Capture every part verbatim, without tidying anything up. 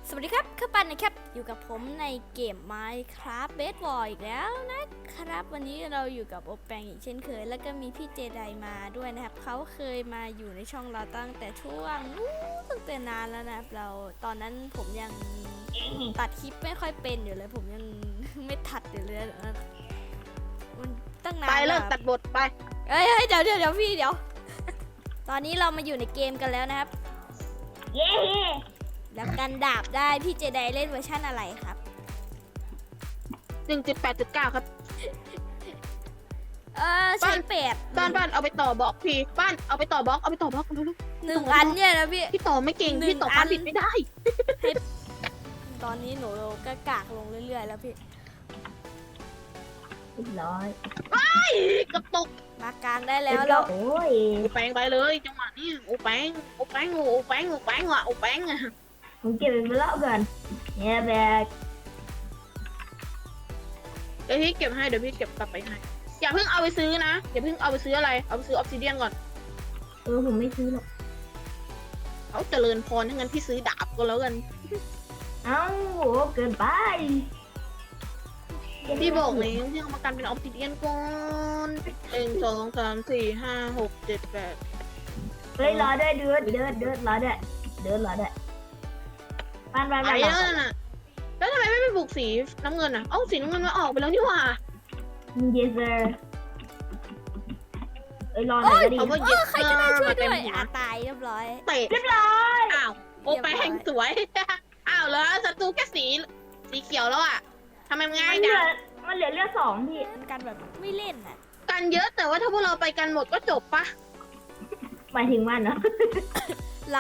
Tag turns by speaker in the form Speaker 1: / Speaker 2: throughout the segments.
Speaker 1: สวัสดีครับคือปันนะครับอยู่กับผมในเกม Minecraft Bedwars อีกแล้วนะครับวันนี้เราอยู่กับโอแปงอีกเช่นเคยแล้วก็มีพี่เจไดมาด้วยนะครับเขาเคยมาอยู่ในช่องเราตั้งแต่ช่วงตั้งแต่นานแล้วนะครับเราตอนนั้นผมยังตัดคลิปไม่ค่อยเป็นอยู่เลยผมยังไม่ทัดอยู่เลยมันตั้งนาน
Speaker 2: ไปเลิกตัดบทไป
Speaker 1: เอ้ยเดี๋ยวเดี๋ยวเดี๋ยวพี่เดี๋ยวตอนนี้เรามาอยู่ในเกมกันแล้วนะครับ
Speaker 2: เย้
Speaker 1: แล้วกันดาบได้พี่เจไดเล่นเวอร์ชันอะไรครับ
Speaker 2: หนึ่งจุดแปดจุดเก้าครับ
Speaker 1: เออใช้เป็ด
Speaker 2: บ้านบ้านเอาไปต่อบล็อกพี่บ้านเอาไปต่อบล็อกเอาไปต่อบล็อกเร็ว
Speaker 1: หนึ่งอันเนี่ยนะพี่
Speaker 2: ๆพี่ต่อไม่เก่ง
Speaker 1: หนึ่ง
Speaker 2: พี่ต่อ
Speaker 1: อั
Speaker 2: บ้าน นผิดไม่ได้
Speaker 1: ตอนนี้หนูก็กากลงเรื่อยๆแล้วพี่
Speaker 3: เรียบร้อย
Speaker 2: กระตุก
Speaker 1: มากลางได้แล้ว
Speaker 3: เรี
Speaker 1: แล้
Speaker 3: ยว บร้อยโอ้ย
Speaker 2: โอแปงไปเลยจังหวะนี้โอแปงโอแปงโอแปงโอแปงว่ะโอแปงอะ
Speaker 3: ผมเก็บเป็นเล่าก่อนเนี่ยแบก
Speaker 2: เดี๋ยวพี่เก็บให้เดี๋ยวพี่เก็บกลับไปให้อย่าเพิ่งเอาไปซื้อนะอย่าเพิ่งเอาไปซื้ออะไรเอาไปซื้อออฟซิเดียนก่อน
Speaker 3: เออผมไม่ซื้อหรอก
Speaker 2: เอาเจริญพรถ้างั้นพี่ซื้อดาบก็แล้วกัน
Speaker 3: เอ้าโหเกินไป
Speaker 2: พี่บอกเลยพี่เอามากันเป็นออฟซิเดียนก่อนหนึ่งสองสามสี่ห้าหกเจ็ดแปด
Speaker 3: เฮ้ยรอด้วยเดือดเดือดเดือดรอด้วยเดือดรอด้วยบ้านบ้าน
Speaker 2: ไป
Speaker 3: บ้าน
Speaker 2: แล้วน่ะแล้วทำไมไม่ไปบุกสีน้ำเงินอ่ะเอ้าสีน้ำเงินมาออกไปแล้วนี่หว่า
Speaker 3: เยสเซอร์เอ้ยรอหน่อยก็ดี
Speaker 2: เอาว่า
Speaker 1: เออใครก็ได้ช่วย
Speaker 2: เต็
Speaker 1: ด้
Speaker 2: ม
Speaker 1: วย
Speaker 2: หัว
Speaker 1: อาตายเรียบร้อย
Speaker 2: เตะ
Speaker 3: เรียบร้อย
Speaker 2: อ้าวโอไปแห่งสวย อ้าวแล้วศัตรูแค่สีสีเขียวแล้วอ่ะทำไมมันง่า
Speaker 3: มั
Speaker 2: ย
Speaker 3: นเหลื
Speaker 2: จั
Speaker 3: อง มันเหลือเลือดสองพี่
Speaker 1: กันแบบไม่เล่นอ่ะ
Speaker 2: กันเยอะแต่ว่าถ้าพวกเราไปกันหมดก็จบปะ
Speaker 3: หมายถึงมันเนาะ
Speaker 1: เรา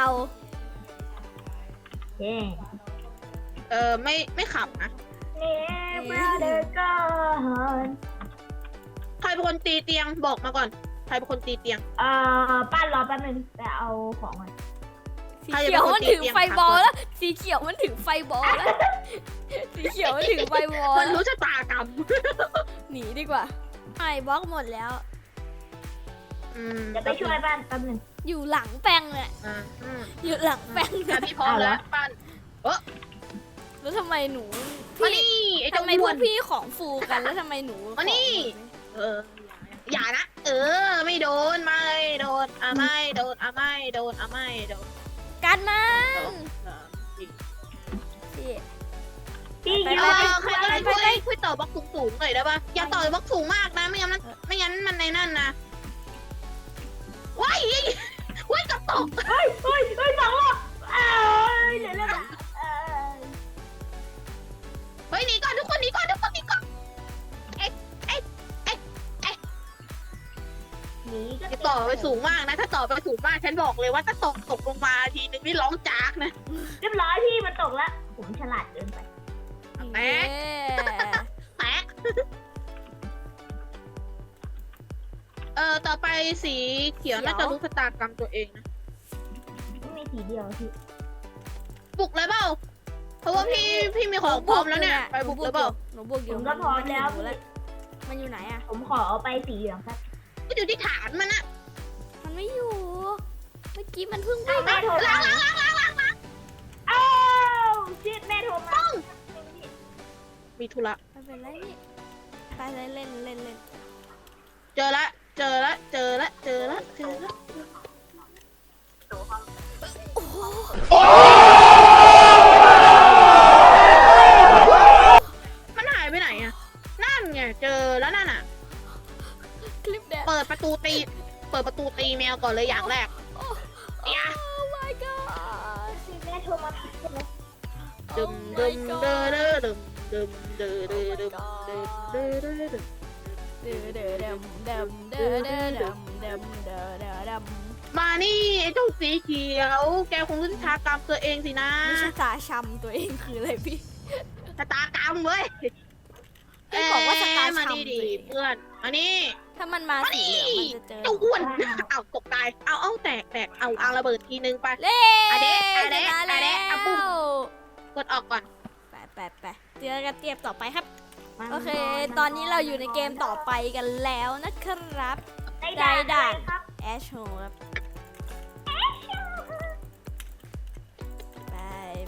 Speaker 3: เย้
Speaker 2: เออไม่ไม่ขับนะ
Speaker 3: เนี่ยบราเดอร์ก่อน
Speaker 2: ใครเป็นคนตีเตียงบอกมาก่อนใครเป็นคนตีเตียง
Speaker 3: เอ่อป้านรอแป๊บนึงแต่เอาของก่อน
Speaker 1: สีเขียวมันถึงไฟบอลแล้วสีเขียวมันถึงไฟบอลแล้วสีเขียวมันถึงไฟบอล
Speaker 2: มันรู้ชะตากรรม
Speaker 1: หนีดีกว่าไอ้บล็อกหมดแล้ว
Speaker 2: อืม
Speaker 3: จะไปช่วยบ้านแป๊บนึง
Speaker 1: อยู่หลังแป้งเลย
Speaker 2: อ่าอืม
Speaker 1: อยู่หลังแป้ง
Speaker 2: อ่ะพี่พร้อมแล้วปั้น
Speaker 1: แล้วทำไมหนู
Speaker 2: มา
Speaker 1: พี่
Speaker 2: นี่ไอ้เจ้า
Speaker 1: ทำไมพ
Speaker 2: อ้
Speaker 1: ว
Speaker 2: ว
Speaker 1: ก
Speaker 2: น
Speaker 1: พี่ของฟูกันแล้วทำไมหนู
Speaker 2: มานี่ เอออย่านะ เออ ไม่โดนไม่โดนอ่ะไม่โดนอ่ะไม่โดนอ่ะไม่โดน
Speaker 1: กันมัน
Speaker 2: สองสามสี่
Speaker 1: พี่
Speaker 3: พี่
Speaker 1: ไป
Speaker 3: ยื
Speaker 2: เอน
Speaker 3: ไป
Speaker 2: อใครก็ได้
Speaker 1: ไป
Speaker 2: ช่วย
Speaker 1: ไป
Speaker 2: ช่วยต่อบล็อกสูงๆหน่อยได้ปะอย่าต่อบล็อกสูงมากนะไม่งั้นมันไม่งั้นมันในนั่นนะว้ายว้ายกระตก
Speaker 3: เฮ้ยเฮ้ยเฮ้ยสองรอบเอ้ยเหลือเลือดอะเอ้ย
Speaker 2: เฮ้ยหนีก่อนทุกคนหนีก่อนทุกคนหนีก่อน
Speaker 3: หนีก็
Speaker 2: อย่าต่อไปสูงมากนะ ถ้าต่อไปสูงมากฉันบอกเลยว่าถ้าตกตกลงมาทีนึงนี่ร้องจากนะ
Speaker 3: เรียบร้อยพี่มันตกแล้วผมฉลาดเกินไป
Speaker 2: แตะ
Speaker 1: เย้
Speaker 2: แตะเออต่อไปสีเขียวน่าจะรู้ชะตากรรมตัวเองนะ
Speaker 3: ไม่มีสีเดียวพี่
Speaker 2: บุกเลยเปล่าเพราะว่าพี่พี่มีของพร้อมแล้วเนี่ยไปบุกเลยเปล่า
Speaker 1: หนูบุกอ
Speaker 3: ผ
Speaker 1: ยู่
Speaker 3: มก็พร้อมแล้ว
Speaker 1: หนู
Speaker 3: พี่
Speaker 1: มันอยู่ไหนอะ
Speaker 3: ผมขอเอาไปสีเหลืองครับ
Speaker 2: ก็อยู่ที่ฐานมันอะ
Speaker 1: มันไม่อยู่ เมื่อกี้มันเพิ่ง
Speaker 3: อ้าวแม่โทร
Speaker 2: ล้าม
Speaker 3: าง
Speaker 2: ล้างล้างล้างล้าง
Speaker 3: อ้าวชิดแม่โทรมา
Speaker 2: มีธุระ
Speaker 1: ไม่เป็นไรนี่ไปเล่นเล่นเล่นเล่น
Speaker 2: เจอละเจอละเจอละเจอละเจอละ
Speaker 1: โอ้โห
Speaker 2: มันหายไปไหนอะนั่นไงเจอแล้วนั่นอะ
Speaker 1: คลิปแดง
Speaker 2: เปิดประตูตีเปิดประตูตีแมวก่อนเลยอย่างแรก
Speaker 1: โอ้
Speaker 2: เนี่ย
Speaker 1: my god
Speaker 3: ชิดแม่โทรมาใช่ไหม
Speaker 2: ดึมดึมเด้อเด้อดึมดึมเด้อเด้อดึมดึมเด้อเด้อดึม
Speaker 1: เด้อเด้อดำดำเด้อเด้อดำดำเด้อเด้อดำ
Speaker 2: มานี่ไอ้เจ้าสีเขียวแกคงรู้ชะตากรรมตัวเองสินะ
Speaker 1: ไม่ใช่ตาช้ำตัวเองคืออะไรพี่
Speaker 2: ชะตากรรมเว้ย
Speaker 1: พี่บอกว่าชะตา
Speaker 2: มา
Speaker 1: ช้ำ
Speaker 2: นี่ดิ
Speaker 1: ตัวเอง
Speaker 2: เพื่อนมานี่
Speaker 1: ถ้ามันมาสีเหลืองมันจะเจอ
Speaker 2: เจ้าอ้วนเอาตกตายเอาเอาแตกแตกเอาเอาระเบิดทีนึงไป
Speaker 1: เล่
Speaker 2: อะเดะอะ
Speaker 1: ช
Speaker 2: เดะ
Speaker 1: นะ
Speaker 2: อะ
Speaker 1: แล้
Speaker 2: เดะอะปุ้ม
Speaker 1: ว
Speaker 2: กดออกก่อน
Speaker 1: ไปไปไปเจอกันเตรียมต่อไปครับ
Speaker 3: มัน
Speaker 1: โอเค ตอนนี้เราอยู่ในเกมต่อไปกันแล้วนะครับ
Speaker 3: ได้
Speaker 1: ได้
Speaker 3: ด่าน
Speaker 1: ด่าน
Speaker 3: อะไรครับ
Speaker 1: แอชโฮครับ ไปไป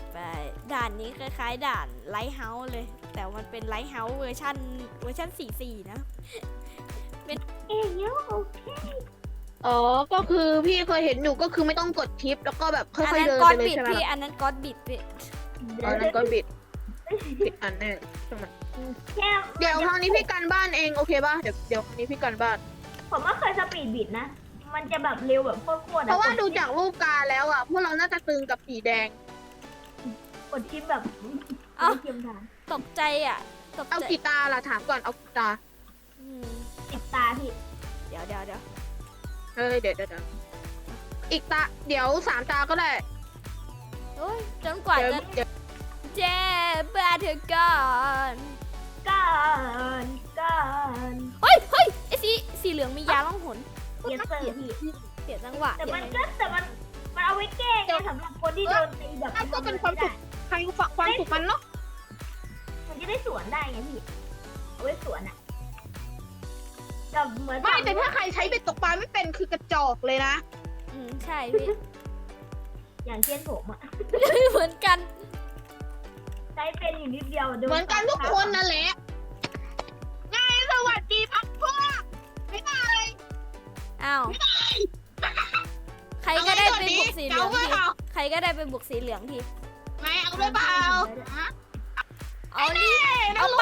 Speaker 1: ด่านนี้คล้ายๆด่านไลท์เฮาส์เลย แต่มันเป็นไลท์เฮาส์เวอร์ชันเวอร์ชันสี่สี่นะ
Speaker 3: เอ้ยโอเค
Speaker 2: อ๋อ ก็คือพี่เคยเห็นอยู่ก็คือไม่ต้องกดทิปแล้วก็แบบค่
Speaker 1: อัน
Speaker 2: อยๆ
Speaker 1: นั้น
Speaker 2: เดิน
Speaker 1: ก็อ
Speaker 2: ไป
Speaker 1: ด
Speaker 2: เลย
Speaker 1: บิด
Speaker 2: ใช่ไหม
Speaker 1: พี่
Speaker 2: ล่ะ
Speaker 1: อันนั้นก็อดบิดพี่
Speaker 2: อ๋อนั่นก็บิดบิดอันแน่ใช่ไหม
Speaker 3: แค่
Speaker 2: เดี๋ยวครั้งนี้พี่กันบ้านเองโอเคป่ะ เดี๋ยวเดี๋ยวครั้งนี้พี่กันบ้าน
Speaker 3: ผมก็เคยสปีดบิดนะ มันจะแบบเร็วแบบโคตรๆ
Speaker 2: เพราะว่า
Speaker 3: อะ
Speaker 2: ดูจากรูปการแล้วอ่ะพวกเราน่าจะตึงกับสีแดง
Speaker 3: กดชิปแบบ
Speaker 1: เอ้า
Speaker 3: เทียมทาน
Speaker 1: ตกใจอ่ะ ตก
Speaker 2: เอา
Speaker 1: ใจ
Speaker 2: กีตาร์ล่ะถามก่อนเอากีตาร์
Speaker 1: อืม
Speaker 3: ติดตาพี่
Speaker 1: เดี๋ยวเดี๋ยวเดี๋ยว
Speaker 2: เฮ้ยเดี๋ยวเดี๋ยวเดี๋ยวอีกตาเดี๋ยวสามตาก็ได้
Speaker 1: โอ้ยจนกว่า
Speaker 2: เดี๋ยว
Speaker 1: จะ
Speaker 2: เดี๋ยว
Speaker 1: เจ็บบ้าเธอก่อน
Speaker 3: ก่อนก่อน
Speaker 1: เฮ้ยเฮ้ยไอสีสีเหลืองมียาล่องหน
Speaker 3: เยสเซอร์พี่
Speaker 1: เสียจังหวะ
Speaker 3: แต่มัน
Speaker 1: เดี๋ยว
Speaker 3: ก็แต่มันมันเอาไว้แก้ไงสำหรับคนที่โดนตีแบบ
Speaker 2: นั่นก็เป็นความสุขใครฝักความสุขมันเนาะ
Speaker 3: มันจะได้สวนได้ไงพี่เอาไว้สวนอ่ะกับเหมือน
Speaker 2: ไม่แต่ถ้าใครใช้เบ็ดตกปลาไม่เป็นคือกระจอกเลยนะ
Speaker 1: อืมใช่พี่
Speaker 3: อย่างเช่นผมอ่ะ
Speaker 1: เหมือนกัน
Speaker 3: ใช้เป็นอยู่นิดเดียวโด
Speaker 2: เหมือนกันทุกคนนั่นแหละไงสวัสดีพักพวกไม่ได้
Speaker 1: อ้าวใครก็ได้ไปบุกสีเหลืองทีใครก็ได้ไปบุกสีเหลืองที
Speaker 2: ไม่เอาด้วยเปล่าฮะ
Speaker 1: เอาดิ
Speaker 2: นั่
Speaker 1: เอา
Speaker 2: ง
Speaker 1: ไป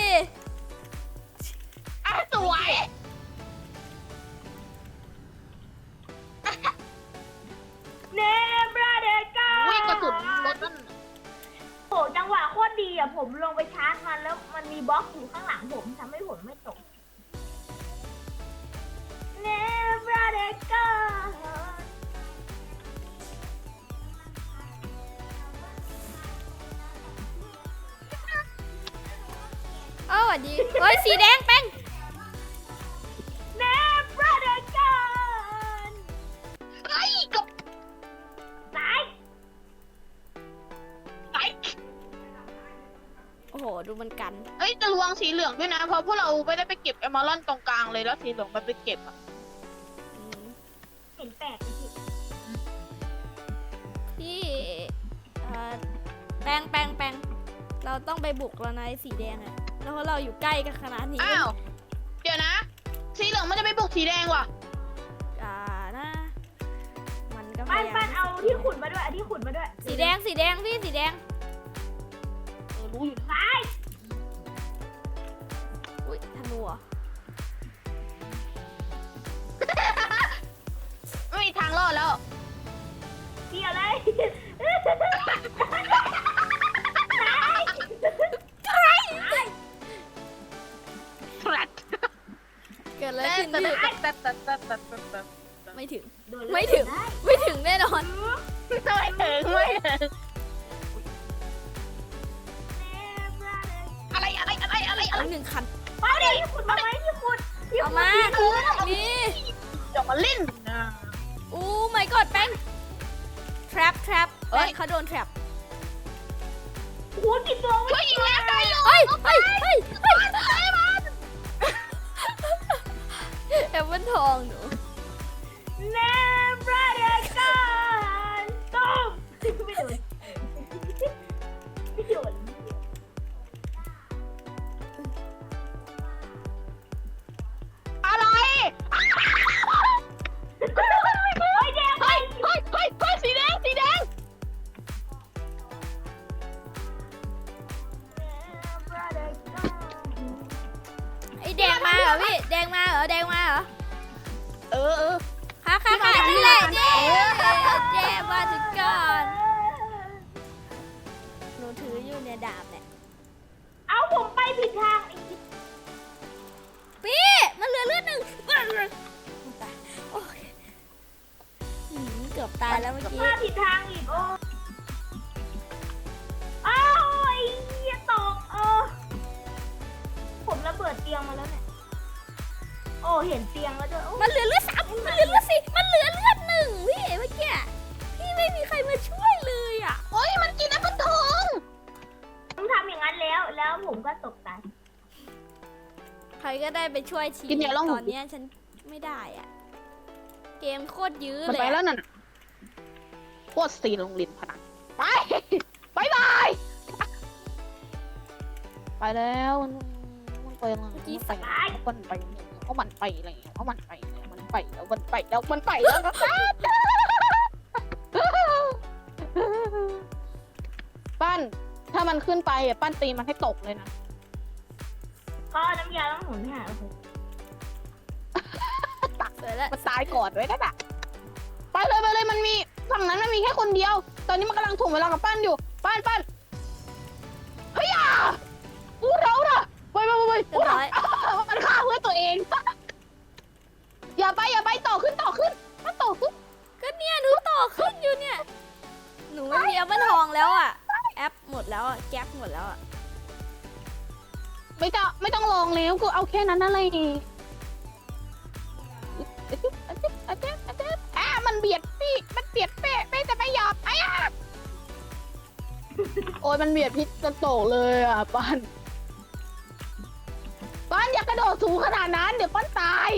Speaker 2: อ่ะสวย
Speaker 3: เนบราเดก้า
Speaker 2: วิ่งกระสุนรถนั่น
Speaker 3: โอ้จังหวะโคตรดีอ่ะผมลงไปชาร์จมันแล้วมันมีบล็อกอยู่ข้างหลังผมทำให้ผมไม่ตกเนบราเดก้า
Speaker 1: เออสวัสดีเฮ้ยสีแดงแป้ง
Speaker 3: เนบราเดก้า
Speaker 2: ไอ้กับ
Speaker 3: สาย
Speaker 2: ไอ้
Speaker 1: โอ้โหดูมันกัน
Speaker 2: เอ้ยจะระวังสีเหลืองด้วยนะ เพราะพวกเราไม่ได้ไปเก็บเอมอลอนตรงกลางเลยแล้วสีเหลืองมันไปเก็บอ่ะ
Speaker 1: อืม
Speaker 3: เห็นแปลกไหมพี่
Speaker 1: พี่เอ่อแป้งแป้งแป้งเราต้องไปบุกแล้วนะไอ้สีแดงอะแล้วเพราะเราอยู่ใกล้กันขนาดนี้
Speaker 2: อ้าว เดี๋ยวนะ สีเหลืองมันจะไปบุกสีแดงว่ะ
Speaker 1: อ่านะมันก็พ
Speaker 3: ปั้น
Speaker 1: ยายา
Speaker 3: ปั้
Speaker 1: ม
Speaker 3: นเอาที่ขุดมาด้วยเอาที่ขุดมาด้วย
Speaker 1: สีแดงสีแดงพี่สีแดง
Speaker 2: เออรู้อยู่นะ
Speaker 3: สาย
Speaker 1: อุ้ยธนูเหรอ
Speaker 2: ไม่มีทางรอดแล้ว
Speaker 3: เกี่ยวเลย
Speaker 2: แฟลต
Speaker 1: เกิดอะไร
Speaker 2: แต่
Speaker 1: ขึ้น
Speaker 2: แต่
Speaker 1: พี่
Speaker 2: แต่แต่แต่แต่แต่แต่
Speaker 1: ไม่ถึง
Speaker 3: โดนเลย
Speaker 1: ไม่ถึง
Speaker 3: ได้
Speaker 1: ไม่ถึงแน่นอน
Speaker 2: ไม่ถึงไม่ถึงอะไรอะไรอะไรอะไรอะไร
Speaker 1: เอาหนึ่งคัน
Speaker 3: เอาดิที่ขุดมาไหมที่ขุดที่
Speaker 1: เอา
Speaker 3: ขุด
Speaker 1: มา
Speaker 3: ที่ขุด
Speaker 1: นี่
Speaker 2: เดี๋ยวมาเล่นนะ
Speaker 1: อู้ไม่กอดแป้ง trap trap
Speaker 2: เอ้
Speaker 1: แป้ง
Speaker 2: ย
Speaker 1: เขาโดน trap
Speaker 3: โอ้โหกี่ตัว
Speaker 2: ช่วยยิงแล้วได้เลย
Speaker 1: เฮ้ยเฮ้ยเฮ้ยเฮ้ยแอปเปิลทองหนู
Speaker 3: เนบราเดกันต้มไม่โดนไม่โดน
Speaker 2: อะไร
Speaker 3: โอ้ยแดง
Speaker 2: เฮ้ยเฮ้ยเฮ้ยเฮ้ยสีแดงสีแดง
Speaker 1: ไอแดงมาเหรอพี่ แดงมาเหรอ แดงมาเหรอ
Speaker 2: เออเออ
Speaker 1: ค่ะค่ะค่ะนี่แหละเย้เย้มาถึงก่อนหนูถืออยู่เนี่ยดาบเนี่ย
Speaker 3: เอาผมไปผิดทางอีก
Speaker 1: พี่มันเหลือเลือดหนึ่งตายโอ้ยหืมเกือบตายแล้วเมื่อกี้
Speaker 3: มาผิดทางอีกโอ้อ้าวไอ้เหี้ยตกเออผมระเบิดเตียงมาแล้วเนี่ยโอ้เห็นเตียงแล้วด้วยโอ้
Speaker 1: มันเหลือเลือดสามมันเหลือเลือดสี่มันเหลือเลือดหนึ่งพี่เมื่อกี้พี่ไม่มีใครมาช่วยเลยอ่ะ
Speaker 2: โอ้ยมันกินแอปเปิลทอง
Speaker 3: ผมทำอย่างนั้นแล้ว แล้วผมก็ตกตาย
Speaker 1: ใครก็ได้ไปช่วยชี
Speaker 2: กินอย่าลอง
Speaker 1: ตอนเนี้ยฉันไม่ได้อ่ะ เกมโคตรยื้อ
Speaker 2: มัน
Speaker 1: เลย
Speaker 2: ไป
Speaker 1: อะ
Speaker 2: แล้วนั่นโคตรสีลงลินพนันไปบายบายไปแล้วมันมันไปแล้วมันไปแล้วมันไปแล้วมันไปแล้วมันไปแล้วมันไปแล้วมันไปแล้วมันไปแล้วก็ปั้นถ้ามันขึ้นไปอ่ะปั้นตีมันให้ตกเลยนะ
Speaker 3: ก็น้ำยาล้างหุ่นหาโอ้โห
Speaker 2: ตัก
Speaker 1: เสร็จแล้ว
Speaker 2: มันตายก่อนไว้นั่นอ่ะไปเลยไปเลยมันมีฝั่งนั้นมันมีแค่คนเดียว ตอนนี้มันกำลังถ่วงเวลากับปั้นอยู่ปั้นปั้นเฮ้ยอ่ะอู้เราน่ะไปไปไปไป
Speaker 1: เรียบร้อย
Speaker 2: มันฆ่าเพื่อตัวเอง อย่าไปอย่าไปต่อขึ้นต่อขึ้นมันต่อขึ้น
Speaker 1: ก็เนี่ยหนูต่อขึ้นอยู่เนี่ย หนูไม่มีแอปเปิลทองแล้วอ่ะ แอปหมดแล้วอ่ะ แก๊กหมดแล้วอ่ะ
Speaker 2: ไม่ต้องไม่ต้องลองแล้วกูเอาแค่นั้นอะไรอ่ะมันเบียดพี่มันเบียดเป๊ะเป๊ะจะไม่ยอมไอ้อะโอ้ยมันเบียดพี่จนโตกเลยอ่ะปั้นปั้นอย่ากระโดดสูงขนาดนั้นเดี๋ยวปั้นตาย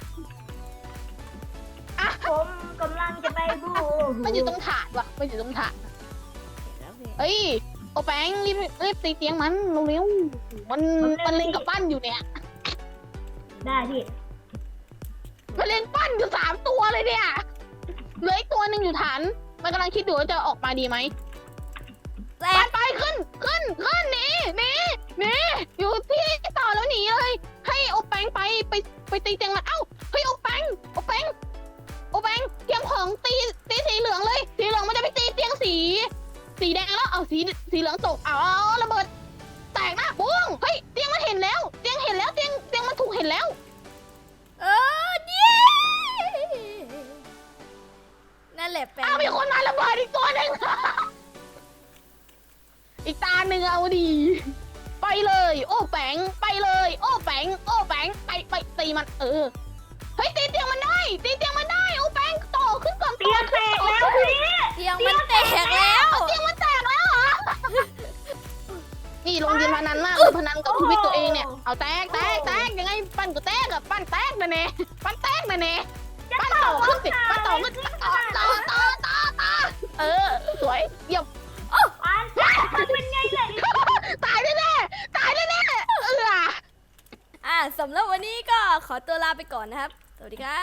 Speaker 2: อ่ะ
Speaker 3: ผมกำลังจะไปบู
Speaker 2: มันอยู่ตรงถาดว่ะมันอยู่ตรงถาด
Speaker 1: เห็นแล้วพี่
Speaker 2: เอ้ยโอแปงรีบรีบตีเตียงมันเร็วๆมันมันเล่นกับปั้นอยู่เนี่ย
Speaker 3: ได้พี่
Speaker 2: มันเล่นปั้นอยู่สามตัวเลยเนี่ยเหลืออีกตัวหนึ่งอยู่ฐานมันกำลังคิดอยู่ว่าจะออกมาดีไหม
Speaker 1: แต
Speaker 2: ไป
Speaker 1: ก
Speaker 2: ไปขึ้นขึ้นขึ้นหนีหนีหนีอยู่ที่ต่อแล้วหนีเลยให้โอแปงไปไปไปตีเตียงมันเอ้าเฮ้ยโอแปงโอแปงโอแปงเตรียมของตีตีสีเหลืองเลยสีเหลืองมันจะไปตีเตียงสีสีแดงแล้วเอาสีสีเหลืองตกเอาเอาระเบิดแตกนะบุ้งเฮ้ยเตียงมันเห็นแล้วเตียงเห็นแล้วเตียงเตียงมันถูกเห็นแล้ว
Speaker 1: เออเย้นั่นแหละแปลง
Speaker 2: อ้าวมีคนมาระเบิดอีกตัวหนึ่ง อีกตาหนึ่งเอาดี ไปเลย โอ้แปงไปเลย โอ้แปงโอ้แปงไปไปตีมันเออเฮ้ยตีเตียงมันได้ตีเตียงมันได้โอ้แปงต่อขึ้นก่อน
Speaker 3: เตียงแตกแล้วพี่
Speaker 1: เตียงมันแตกแล้ว
Speaker 2: เตียงมันแตกแล้วเหรอ นี่ลงยินพนันมากเลยพนันกับชีวิตตัวเองเนี่ยเอาแตกแตกแตกยังไงปั้นก็แตกอะปั้นแตกนะเน่ปั้นแตกนะเน่ปั้นต่อขึ้นสิปั้นต่อขึ้นต่อต่อต่อต่อต่อเออสวยเยี่ยม
Speaker 3: อันมันเป็นไงเลย
Speaker 2: ตายแน่ๆตายแน่ๆเออ
Speaker 1: อ่ะสำหรับวันนี้ก็ขอตัวลาไปก่อนนะครับ สวัสดีครับ